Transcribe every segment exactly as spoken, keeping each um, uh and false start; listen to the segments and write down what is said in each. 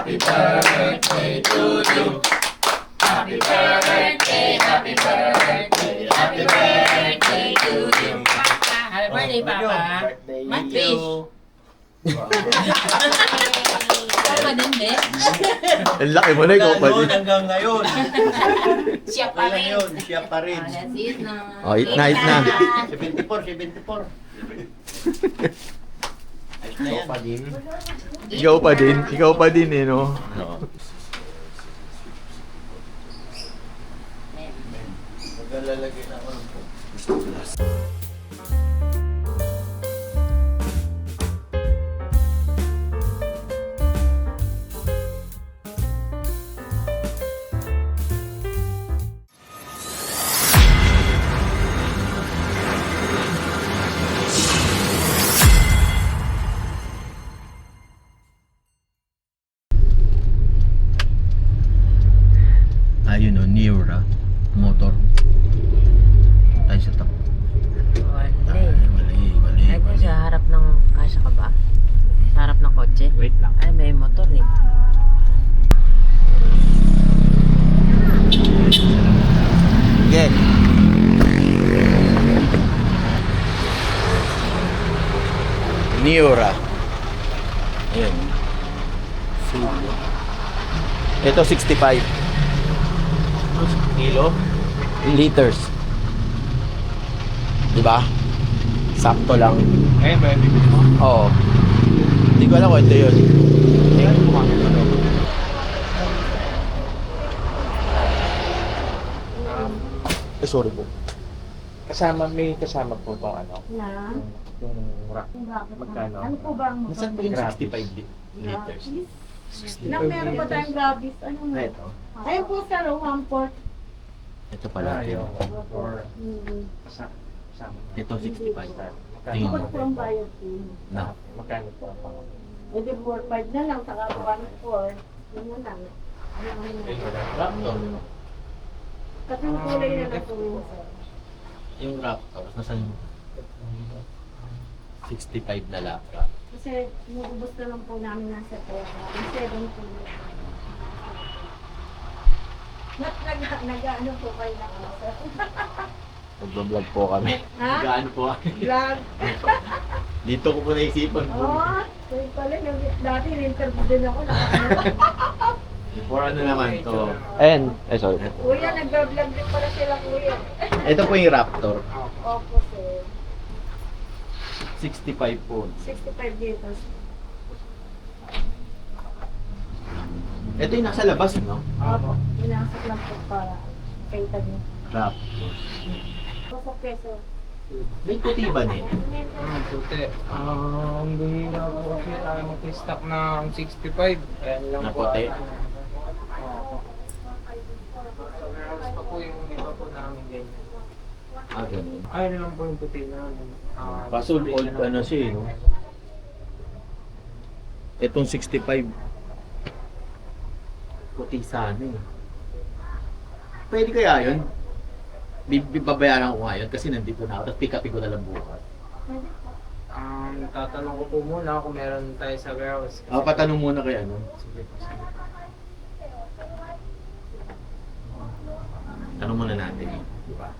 Happy birthday to you. Happy birthday, happy birthday, happy birthday to you. Happy birthday, Papa. Matfish. Papa din, be. Ang laki mo na ikaw pa din. Hanggang ngayon. Siya pa Kailan rin. yun? Siya pa rin. Oh, that's it na. Oh, eat na, eat na. seventy-four, seventy-four. Ayos na yan. Ikaw pa din. Ikaw pa din eh, no? Maglalagay na ako ng Ayun o, Neura. Motor. Tayo sa top. Mali. Mali, mali, Ay, kung mali. sa harap ng kasya ka ba? Sa harap ng kotse? Wait lang. Ay, may motor eh. Sige. Neura. Ayan. Ito sixty-five. kilo. Liters. Diba? Sakto lang. Eh, may bibili mo. Oo. Hindi ko alam kung ito yun. Hindi ka kumamit ano. Eh, sorry po. Kasama, may kasama po itong ano. Na? Yung rack. Magkano? Ano po ba ang Nasaan po yung Grabe. sixty-five li- liters? Nang meron pa tayong grabis. Ano Na nga? ito. Ayun po sa one port. Ito pala. Ayaw. Ito, Or Mm-hmm. kasama. kasama. ito sixty-five. Magkano? Tingnan Ikot mo. po ang bayad po. Na. Magkano po ang pang- Pwede four five na lang, saka one four. Yun na lang. Ano ano na. Raptor. Kasi yung kulay na lang po yun, sir. Yung Raptor. Nasaan yung sixty-five na laptop? Kasi inubos na lang po namin nasa pera. Yung seven po yun. Nag, nag, nag, ano po kayo na ano, sir? Nagbablog po kami. Ha? Gaano po kami? Vlog. Dito ko po naisipan po. Oo, so pala, nag- dati in-interview din ako na For ano naman to? And, eh sorry. Kuya, nag-vlog din pala sila, kuya. Ito po yung Raptor. Opo, sir. sixty-five po. sixty-five liters. Ito yung nasa labas, no? Opo. Inasak lang po para kay niyo. Raptor. Opo, peso. May puti ba niya? Ah, puti. Ah, ang bihira po kasi tayo mag-stock ng sixty-five. Ayan lang Na po. puti? Oo. Meron pa po yung iba po namin ganyan. Ah, ganun. Ayun lang po yung puti namin. Ah, Kaso puti old na lang. ano siya, eh, no? Itong sixty-five. Puti sana eh. Pwede kaya yun? Bi- Babayaran ko ngayon kasi nandito na ako. Tapos pick upin ko na lang bukas. Um, tatanong ko po muna kung meron tayo sa warehouse. Ako patanong muna kay ano. Sige po, sige. Tanong muna natin. Di ba?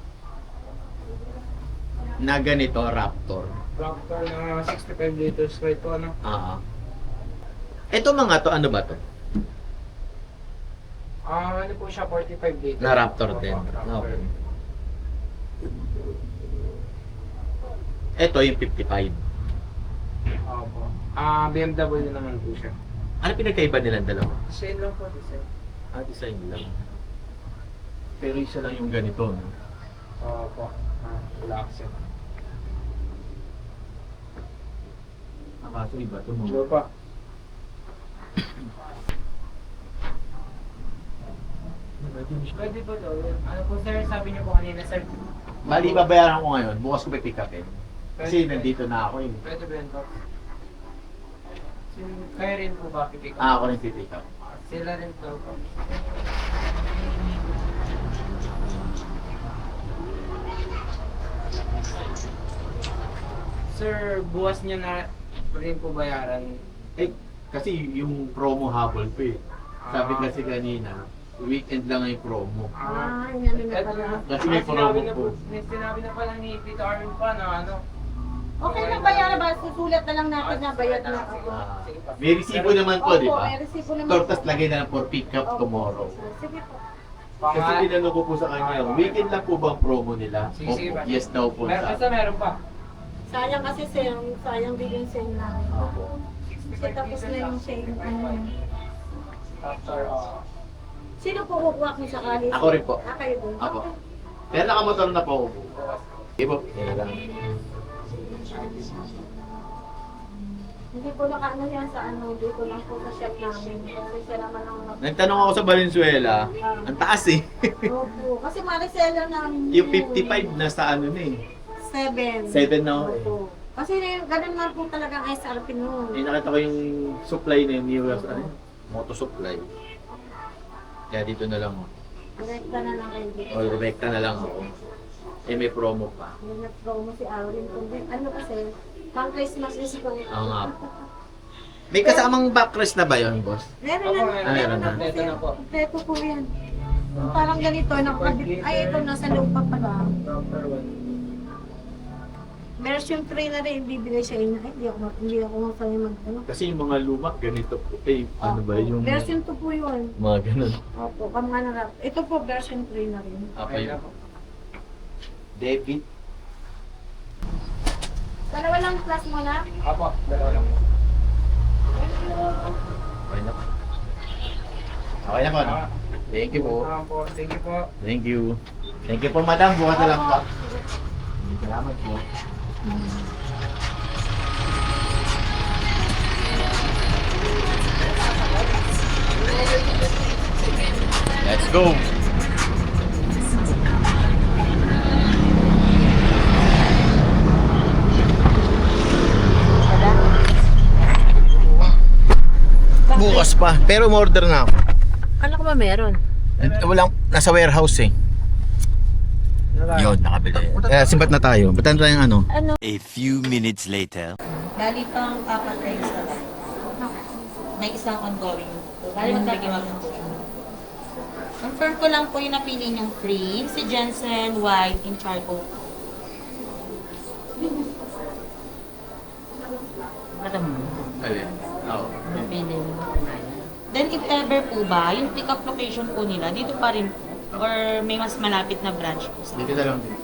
Na ganito, Raptor. Raptor na sixty-five liters right po, ano? Ah. Ito mga to, ano ba to? Ah, ano po siya, forty-five liters. Na Raptor Opo, din. Raptor. Okay. Ito yung fifty-five. Opo. Ah, B M W naman po siya. Ano pinagkaiba nilang dalawa? Same lang po, design. Ah, design lang. Pero isa lang yung ganito, no? Opo. Ah, relax yan. Ah, kaso iba ito mo. Sure pa. Pwede po daw. Ano po sir, sabi niyo po kanina sir. Bali, babayaran ko ngayon. Bukas ko pipick upin. Kasi nandito na ako eh. Pwede ba yun, Tox? Sin- Kaya rin po ba pipick up? Ah, ako rin pipick up. Sila rin to. Sir, buwas niya na rin po bayaran. Eh, Kasi yung promo habol pa eh. Sabi Ah. kasi kanina, weekend lang yung promo. Ah, yan na Eto pala. na. Kasi may Sinabi promo na po. may Sinabi na pala ni Tito Arvin pa na ano. Okay na ba yan? Ba? Susulat na lang natin na bayad na ako. Ah, may resibo naman po, di Opo, ba? may resibo naman. Tortas po. lagay na lang for pick up Opo. tomorrow. Sige po. Kasi Pang- tinanong ko po sa kanya, weekend lang po ba ang promo nila? Sige, sige, Opo, ba? yes daw po. Meron, basta meron pa. Sayang kasi sale, sayang din yung sale namin. Opo. Kasi tapos na yung sale. Ano. After, uh, Sino po kukuha kung sakali? Ako rin po. Ah, kayo din? Apo. Pero nakamotor na po ako po. Sige po. Yan lang. Hindi po nakaano yan sa ano, dito lang po sa shop namin. Kasi siya naman ang... Nagtanong ako sa Valenzuela, ang taas eh. Opo, kasi mariseller namin. Yung fifty-five na sa ano na eh. Seven. Seven na ako eh. Opo. Kasi ganun na po talagang S R P noon. Eh, nakita ko yung supply na yung U S, ano, moto supply. Kaya dito na lang ako. Direkta na lang kayo dito. O, Rebecca na lang ako. Eh, may promo pa. Yung nag-promo si Aurin. Kundi ano kasi, pang Christmas is ko. Oo nga po. May kasamang backrest na ba yun, boss? Meron Opo, na, meron. meron na po Kompleto siya. na po. Kompleto po yan. Yung parang ganito, nakakabit. Ay, ito, nasa loob pa pala. number one. Version three na rin, bibigay sa inyo. Ay, hindi ako, hindi ako masaya mag, ano. Kasi yung mga lumak, ganito po. Eh, ano ba yung... Version two po yun. Mga ganun. Opo, kamukha na rap. Ito po, version three na rin. Apa yun? Debit. Dalawa lang plus mo na. Apo, dalawa lang. Okay na po. Okay na po, no? Thank you po. Ah, po. Thank you po. Thank you. Thank you po, madam. Bukas na lang po. Salamat po. Let's go. Bukas pa. Pero umorder na ako. Kala ko ba meron? Walang, nasa warehouse eh. Yun, nakabili. Eh, simbat na tayo. Ba't tayo yung ano? A few minutes later. Bali pang apat na isa. May isang ongoing. Bali magbigay mag Confirm ko lang po yung napili niyong free. Si Jensen White in charcoal. Alam mo, Alin? Oo. napili mo. Then if ever po ba, yung pick-up location po nila, dito pa rin po. Or may mas malapit na branch po sa Dito na lang din.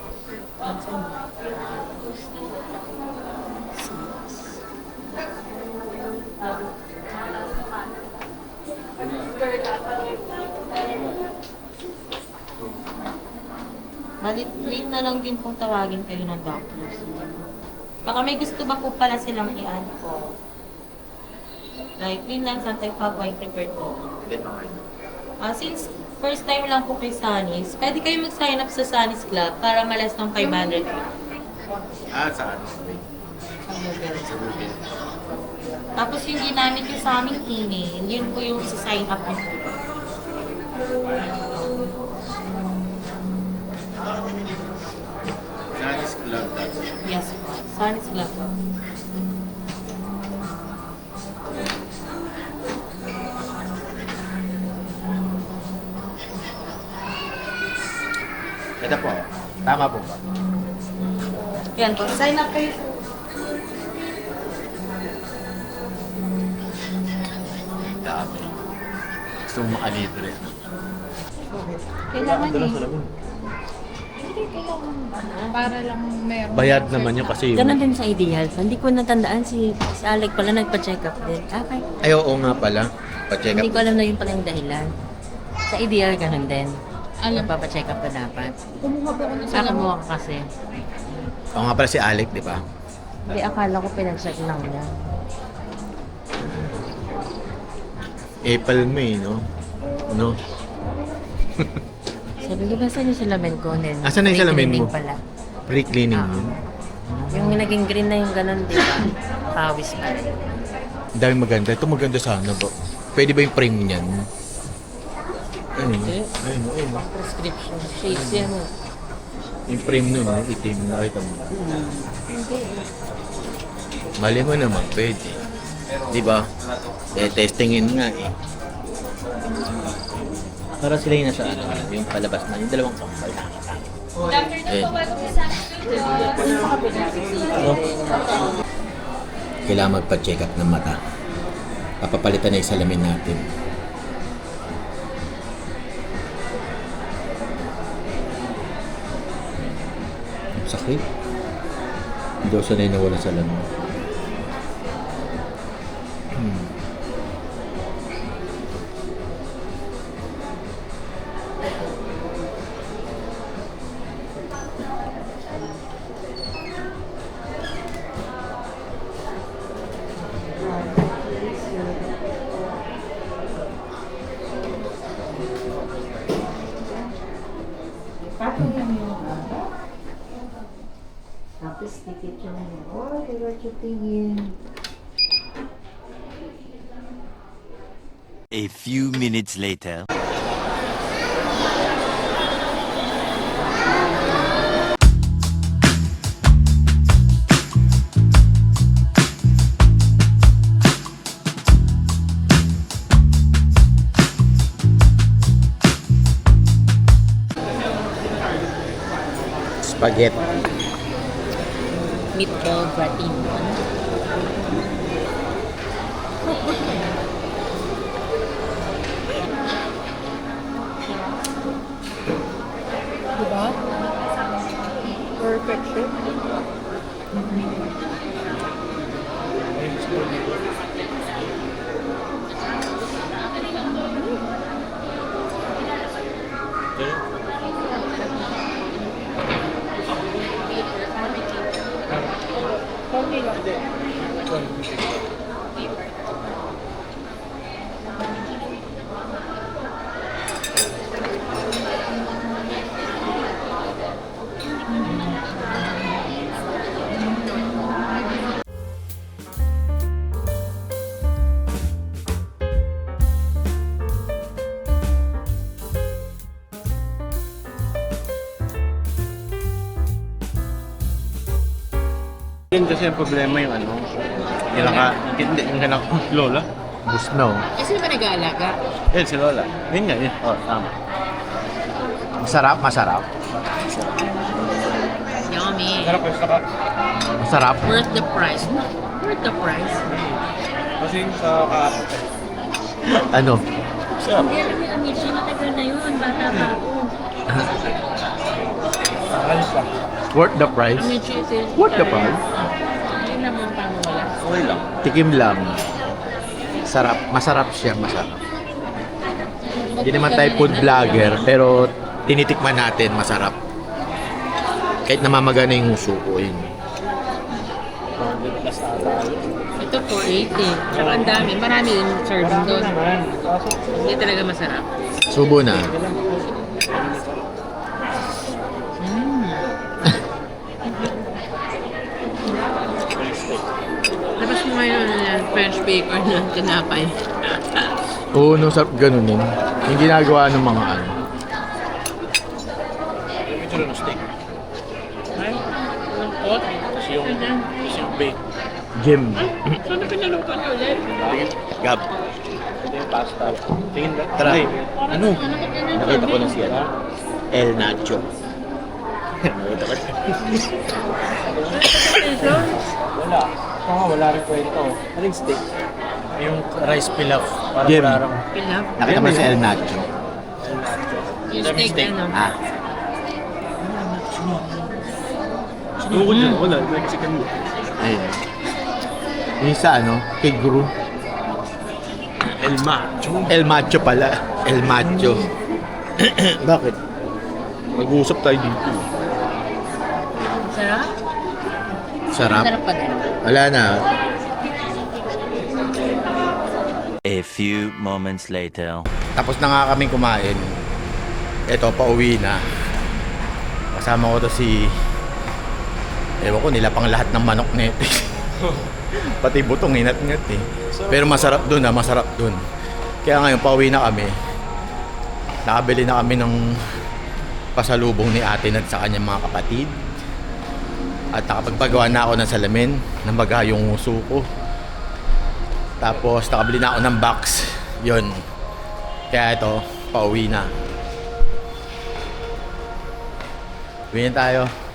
Bali, wait na lang din pong tawagin kayo ng doctors. Baka may gusto ba po pala silang i-add po? Like, Greenland, Santa Fe, White prepared po. Ah, since first time lang po kay Sunny's, pwede kayo mag-sign up sa Sunny's Club para malas ng five hundred. Ah, saan? Tapos yung ginamit yung sa aming email, yun po yung sa-sign up niyo po. Chinese club dot Yes po, Sunny's Club po. Ito po. Tama po ba? Yan po, sign up kayo po. Dami. Gusto mo makalibre. Kailangan eh. Para lang meron. Bayad naman yun kasi Ganon din sa ideal. Hindi ko natandaan si, si Alec pala nagpa-check up din. Okay. Ay, oo nga pala. Pa-check Hindi up. ko alam na yun pala yung dahilan. Sa ideal, ganon din. Alam. Nagpapacheck up ka dapat. Kumuha po ako ng Sa salamat. kumuha ka kasi. Oo nga pala si Alec, di ba? Hindi, akala ko pinag-check lang niya. April, May, no? No? Sabi ko, basta yung salamin ko? Then, Asan na yung salamin cleaning mo? Pala. Pre-cleaning Ah. yun. Yung naging green na yung ganon, di ba? Pawis pa rin. Ang dami maganda. Ito maganda sana ba? Pwede ba yung frame niyan? Ayun, Hindi. ayun, ayun. Prescription. Shades yan. eh. Yung frame nun, yung itim, nakita mo. Mali mo naman, pwede. Di ba? Eh, testingin nga eh. Para sila yung nasa ano, yung palabas na, yung dalawang kambal. Eh. Oh. Kailangan magpa-check up ng mata. Papapalitan na yung salamin natin. Ang sakit. Hindi ako sanay na wala salamin. Hmm. Tapos tikit siya na yun. Oh, diba tingin. A few minutes later. Spaghetti. Meatball gratin. Diba? Perfection. Okay lang. Yun kasi ang problema yung ano, yung naka, hindi, yung naka, Lola. Busno. Kasi naman nag-aalaga. Yun, si Lola. Yun nga, yun. Oh, tama. Masarap, masarap. Yummy. Sarap yung sarap. Masarap. Worth the price. Worth the price. Kasi yung sa kahapon. Ano? Sarap. Hindi alam yung Amici, matagal na yun. Bata pa ako. Alis lang. Worth the price. Amici is it? Worth the price. Hindi naman paano wala. Okay lang. Tikim lang. Sarap. Masarap siya, masarap. Hindi naman tayo food vlogger, pero tinitikman natin, masarap. Kahit namamagana yung huso ko, yun. Ito four eighty. Tsaka ang dami. Marami yung serving doon. Hindi talaga masarap. Subo na. Labas mo ngayon ng French bacon na tinapay. Oo, no, sarap ganun din. Yung ginagawa ng mga ano. Ito lang steak. Ay, ang pot. Kasi yung, kasi yung bake. Gym. Saan na pinaluto niyo ulit? Gab. Ito yung pasta. Tingin ba? Tara. Ay, Ano? Nakita ko na siya. El Nacho. Nakita ko na. wala. Ito nga, wala rin kwento. Aling steak? Yung rice pilaf. Parang Jim. wala rin. Pilaf. Nakita mo na si El Nacho. Yung steak ano. Ah. Sinukod yun. Wala. Mexican mo. Ayun. Yung sa ano, kay Guru. El Macho. El Macho pala. El Macho. Bakit? Mag-uusap tayo dito. Sarap? Sarap. Sarap pa din. Wala na. A few moments later. Tapos na nga kami kumain. Eto, pauwi na. Kasama ko to si... Ewan ko, nilapang lahat ng manok nito. Pati butong inat-ngat eh. Pero masarap dun ah, masarap dun. Kaya ngayon, pauwi na kami. Nakabili na kami ng pasalubong ni ate at sa kanyang mga kapatid. At nakapagpagawa na ako ng salamin na baga yung uso ko. Tapos nakabili na ako ng box. Yun. Kaya ito, pauwi na. Uwi na tayo.